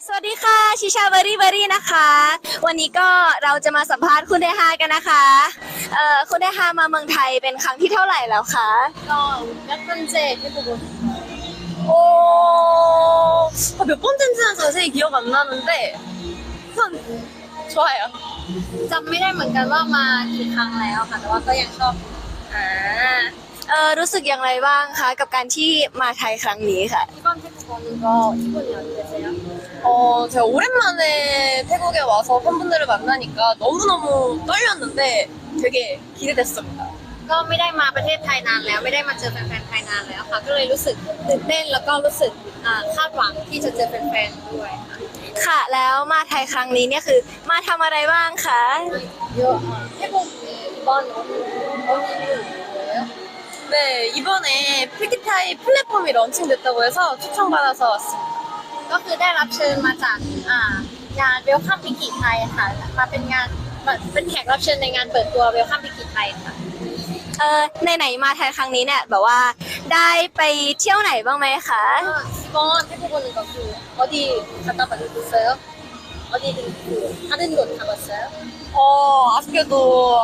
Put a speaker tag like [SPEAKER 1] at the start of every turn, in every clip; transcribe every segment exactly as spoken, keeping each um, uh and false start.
[SPEAKER 1] สวัสดีค่ะชิชาเบอรี่เบอรี่นะคะวันนี้ก็เราจะมาสัมภาษณ์คุณเดฮากันนะคะเอ่อคุณเดฮามาเมืองไทยเป็นครั้งที่เท่าไหร่แล้วคะ
[SPEAKER 2] ก็몇 번째 해보고
[SPEAKER 1] โอ้
[SPEAKER 2] 아, 몇 번째인지는 자세히 기억 안 나는데 우선 좋아요. จำไม่ได้เหมือนกันว่ามากี่ครั้งแล้วค่ะแต่ว่าก็ยังชอบ
[SPEAKER 1] อ่าเอ่อรู้สึกอย่างไรบ้างคะกับการที่มาไทยครั้งนี้ค่ะ
[SPEAKER 2] 이번 태국 오는 거 기분이 어떠세요? 어 제가 오랜만에 태국에 와서 팬분들을 만나니까 너무너무 떨렸는데 되게 기대됐습니다. ก็ไม่ได้มาประเทศไทยนานแล้วไม่ได้มาเจอแฟนๆไทยนานแล้วค่ะก็เลยรู้สึกตื่นเต้นแล้วก็รู้สึกอ่าคาดหวังที่จะเจอแฟนๆด้วยค่ะ
[SPEAKER 1] ค่ะแล้วมาไทยครั้งนี้เนี่ยคือมาทำอะไรบ้างคะ
[SPEAKER 2] 요 아, 태국이 이번 언니는 뭐예요? 네 이번에 필기타이 플랫폼이 런칭됐다고 해서 초청받아서 왔습니다. ก็คือได้รับเชิญมาจากอ่างาน Welcome พิกิไทยค่ะมาเป็นงานเป็นแขกรับเชิญในงานเปิดตัว Welcome พิกิไทยค่ะ
[SPEAKER 1] เอ่อไหนๆมาไทยครั้งนี้เนี่ยแบบว่าได้ไปเที่ยวไหนบ้างไหมคะ
[SPEAKER 2] 이번 태국 오는 거 그 어디 갔다 봤어요? 어디 그 다른 곳 가봤어요? 어 아쉽게도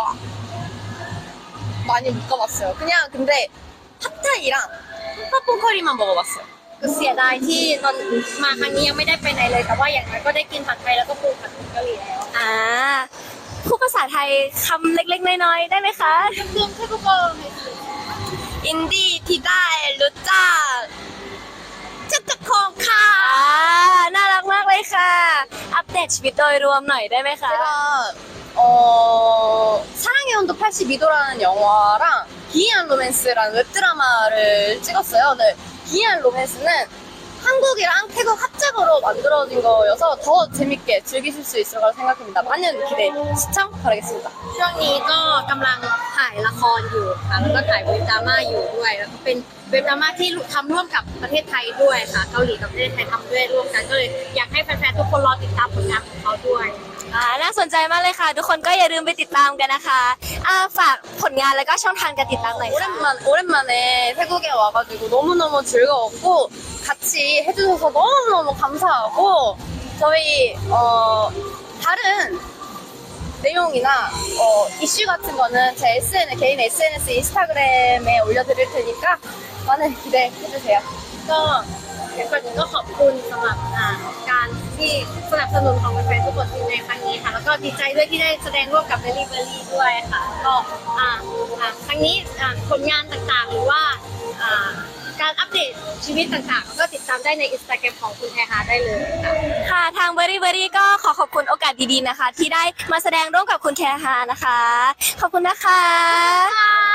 [SPEAKER 2] 많이 못 가봤어요. 그냥 근데 팟타이랑 팝콘커리만 먹어봤어요. คือเสียดายที่ตอนมาครั้งนี้ยังไม่ได้ไปไหนเลยแต่ว่าอย่างน้อยก็ได้กินผัดไทยแล้วก็ปูผัดผงกะหรี่แล้ว
[SPEAKER 1] อ่าพูดภาษาไทยคำเล็กๆน้อยๆได้ไหมคะ
[SPEAKER 2] เรื่องเทพกร
[SPEAKER 1] อินดี้ที่ได้รู้จัก
[SPEAKER 2] จักรคองค่ะ
[SPEAKER 1] อ่าน่ารักมากเลยค่ะ อัปเดตชีวิตโดยรวมหน่อยได้ไหมคะ
[SPEAKER 2] 제가 어 사랑의 온도 팔십이 도라는 영화랑 기이한 로맨스라는 웹드라마를 찍었어요. 네, 기이한 로맨스는 한국이랑 태국 합작으로 만들어진 거여서 더 재밌게 즐기실 수 있을 거라 생각합니다. 많은 기대 시청 바라겠습니다. ช่วงนี้ก็กำลังถ่ายละครอยู่ค่ะแล้วก็ถ่ายเว็บดราม่าอยู่ด้วยแล้วก็เป็นเว็บดราม่าที่ทำร่วมกับประเทศไทยด้วยค่ะเกาหลีกับประเทศไทยทำด้วยร่วมกันก็เลยอยากให้แฟนๆทุกคนรอติดตามผลงานของเขาด้วย
[SPEAKER 1] อ่าน่าสนใจมากเลยค่ะ ทุกคนก็อย่าลืมไปติดตามกันนะคะอ่าฝากผลงานแล้วก็ช่องทางการติดตามหน่อยค่ะ
[SPEAKER 2] 오랜만, 오랜만에 태국에 와가지고 너무너무 즐거웠고 같이 해주셔서 너무너무 감사하고 저희 어, 다른 내용이나 어, 이슈 같은 거는 제 에스엔에스, 개인 에스엔에스 인스타그램에 올려드릴 테니까 많은 기대해주세요. ก็ก่อนอื่นก็ขอบคุณสำหรับอ่าการที่สนับสนุนของแฟนๆทุกคนในครั้งนี้ค่ะแล้วก็ดีใจด้วยที่ได้แสดงร่วมกับเบลลี่เบลลี่ด้วยค่ะก็อ่าอ่าครั้งนี้อ่าผลงานต่างๆหรือว่าอ่าการอัปเดตชีวิตต่างๆก็ติดตามได้ในอินสตาแกรมของคุณแทฮาได้เลยค่ะ
[SPEAKER 1] ค่ะทางเบอรี่เบอรี่ก็ขอขอบคุณโอกาสดีๆนะคะ ที่ได้มาแสดงร่วมกับคุณแทฮานะคะ ขอบคุณนะคะ